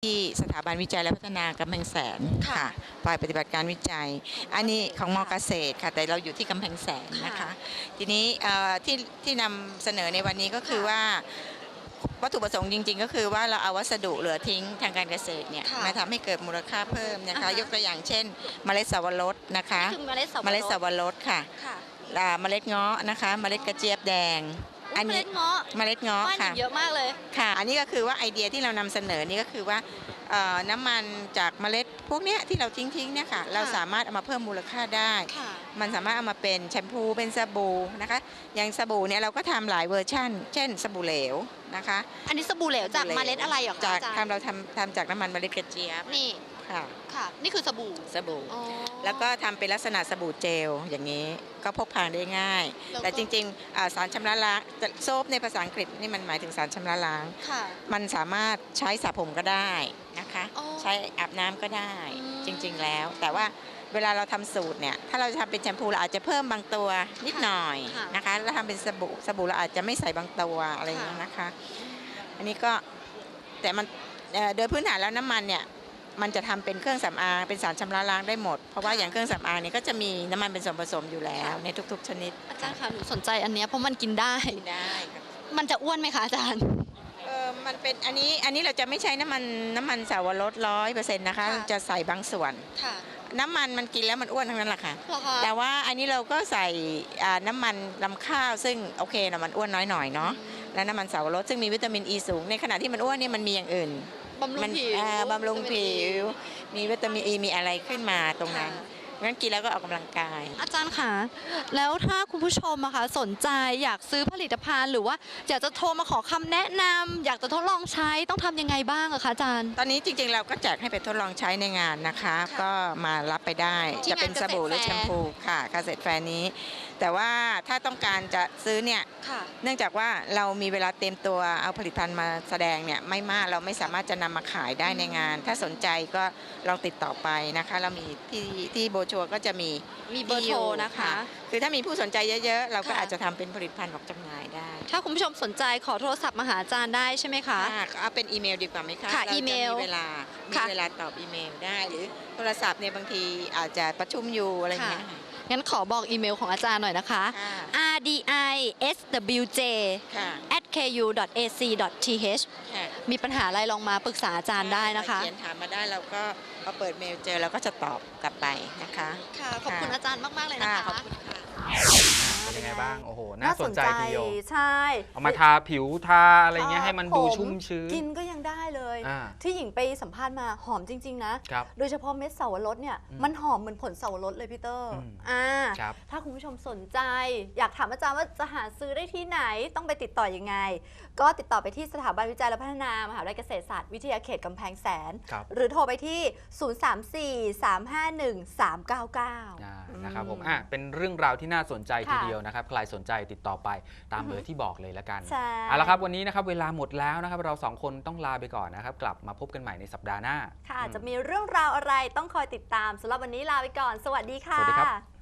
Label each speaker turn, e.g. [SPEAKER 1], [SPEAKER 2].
[SPEAKER 1] ที่สถาบันวิจัยและพัฒนากำแพงแสนค่ะฝ่ายปฏิบัติการวิจัยอันนี้ของมอเกษตรค่ะแต่เราอยู่ที่กำแพงแสนนะคะทีนี้ที่นำเสนอในวันนี้ก็คือว่าวัตถุประสงค์จริงๆก็คือว่าเราเอาวัสดุเหลือทิ้งทางการเกษตรเนี่ยมาทำให้เกิดมูลค่าเพิ่มนะคะยกตัวอย่างเช่นเมล็ดสับปะรดนะคะเมล็ดสับปะรดค่ะเมล็ดเงาะนะคะเมล็ดกระเจี๊ยบแดง
[SPEAKER 2] อันนี้เมล็ดเงาะ
[SPEAKER 1] ค่ะ
[SPEAKER 2] เยอะมากเลย
[SPEAKER 1] ค่ะอันนี้ก็คือว่าไอเดียที่เรานำเสนอนี่ก็คือว่าน้ำมันจากเมล็ดพวกนี้ที่เราทิ้งเนี่ยค่ะเราสามารถเอามาเพิ่มมูลค่าได้มันสามารถเอามาเป็นแชมพูเป็นสบู่นะคะอย่างสบู่เนี่ยเราก็ทำหลายเวอร์ชั่นเช่นสบู่เหลวนะคะ
[SPEAKER 2] อันนี้สบู่เหลวจากเมล็ดอะไรหรอคะ
[SPEAKER 1] จากเราทำจากน้ำมันเมล็ดกระเจี๊ยบ
[SPEAKER 2] นี่ค่ะนี่คือสบู่แล้ว
[SPEAKER 1] ก็ทำเป็นลักษณะสบู่เจลอย่างนี้ก็พกพาได้ง่ายแต่จริงๆสารชำระล้างโซฟในภาษาอังกฤษนี่มันหมายถึงสารชำระล้างมันสามารถใช้สระผมก็ได้นะคะใช้อาบน้ำก็ได้จริงๆแล้วแต่ว่าเวลาเราทำสูตรเนี่ยถ้าเราจะทำเป็นแชมพูเราอาจจะเพิ่มบางตัวนิดหน่อยนะคะแล้วทำเป็นสบู่เราอาจจะไม่ใส่บางตัวอะไรอย่างนี้นะคะอันนี้ก็แต่มันโดยพื้นฐานแล้วน้ำมันเนี่ยมันจะทำเป็นเครื่องสำอางเป็นสารชำระล้างได้หมดเพราะว่าอย่างเครื่องสำอางเนี่ยก็จะมีน้ำมันเป็นส่วนผสมอยู่แล้วในทุกๆชนิด
[SPEAKER 2] อาจารย์คะหนูสนใจอันนี้เพราะมันกินได้
[SPEAKER 1] ครับ
[SPEAKER 2] มันจะอ้วนไหมคะอาจารย์
[SPEAKER 1] มันเป็นอันนี้เราจะไม่ใช้น้ำมันสาวรส100%นะคะจะใส่บางส่วนน้ำมันกินแล้วมันอ้วนทั้งนั้นแหละค่ะแต่ว่าอันนี้เราก็ใส่น้ำมันลำข้าวซึ่งโอเคนะมันอ้วนน้อยหน่อยเนาะและน้ำมันสาวรสซึ่งมีวิตามินอีสูงในขณะที่มันอ้วนนี่มันมีอย่างอื่น
[SPEAKER 2] บำ
[SPEAKER 1] รุงผิวมีวิตามินอีมีอะไรขึ้นมาตรงนั้นงั้นกินแล้วก็ออกกำลังกาย
[SPEAKER 2] อาจารย์คะแล้วถ้าคุณผู้ชมอะคะสนใจอยากซื้อผลิตภัณฑ์หรือว่าอยากจะโทรมาขอคำแนะนำอยากจะทดลองใช้ต้องทำยังไงบ้างอะคะอาจารย์
[SPEAKER 1] ตอนนี้จริงๆเราก็แจกให้ไปทดลองใช้ในงานนะคะก็มารับไปได้จะเป็นสบู่หรือแชมพูค่ะเกษตรแฟร์นี้แต่ว่าถ้าต้องการจะซื้อเนี่ยเนื่องจากว่าเรามีเวลาเตรียมตัวเอาผลิตภัณฑ์มาแสดงเนี่ยไม่มากเราไม่สามารถจะนำมาขายได้ในงานถ้าสนใจก็ลองติดต่อไปนะคะเรามีที่โบชัวก็จะมี
[SPEAKER 2] เบอร์โทรนะคะ
[SPEAKER 1] คือถ้ามีผู้สนใจเยอะๆเราก็อาจจะทำเป็นผลิตภัณฑ์ออกจำหน่ายได้
[SPEAKER 2] ถ้าคุณผู้ชมสนใจขอโทรศัพท์มาหาอาจารย์ได้ใช่ไหมคะ
[SPEAKER 1] เอาเป็นอีเมลดีกว่าไหมคะ
[SPEAKER 2] ค่ะอีเมล
[SPEAKER 1] มีเวลาตอบอีเมลได้หรือโทรศัพท์เนี่ยบางทีอาจจะประชุมอยู่อะไรอย่างเงี้ย
[SPEAKER 2] งั้นขอบอกอีเมลของอาจารย์หน่อยนะคะ rdiswj@ku.ac.th มีปัญหาอะไรลองมาปรึกษาอาจารย์ได้นะคะ
[SPEAKER 1] เขียนถามมาได้เราก็พอเปิดเมลเจอเราก็จะตอบกลับไปนะคะ
[SPEAKER 2] ค่ะขอบคุณอาจารย์มากๆเลยนะคะขอบคุณค่ะ
[SPEAKER 3] เป็นยังไงบ้างโอ้โหน่าสนใจทีเดียว
[SPEAKER 2] ใช่
[SPEAKER 3] เอามาทาผิวทาอะไรเงี้ยให้มันดูชุ่มชื้น
[SPEAKER 2] กินก็ยังได้เลยที่หญิงไปสัมภาษณ์มาหอมจริงๆนะโดยเฉพาะเม็ดเสาวรสเนี่ยมันหอมเหมือนผลเสาวรสเลยพี่เตอร์ถ้าคุณผู้ชมสนใจอยากถามอาจารย์ว่าจะหาซื้อได้ที่ไหนต้องไปติดต่อยังไงก็ติดต่อไปที่สถาบันวิจัยและพัฒนามหาวิทยาลัยเกษตรศาสตร์วิทยาเขตกำแพงแสนหรือโทรไปที่034-351-399
[SPEAKER 3] นะครับผมเป็นเรื่องราวที่น่าสนใจทีเดียวนะครับใครสนใจติดต่อไปตามเบอร์ที่บอกเลยละกันเอาละครับวันนี้นะครับเวลาหมดแล้วนะครับเราสองคนต้องลาไปก่อนนะครับกลับมาพบกันใหม่ในสัปดาห์หน้า
[SPEAKER 2] ค่ะจะมีเรื่องราวอะไรต้องคอยติดตามสำหรับวันนี้ลาไปก่อนสวัสดีค่ะ
[SPEAKER 3] สวัสดีครับ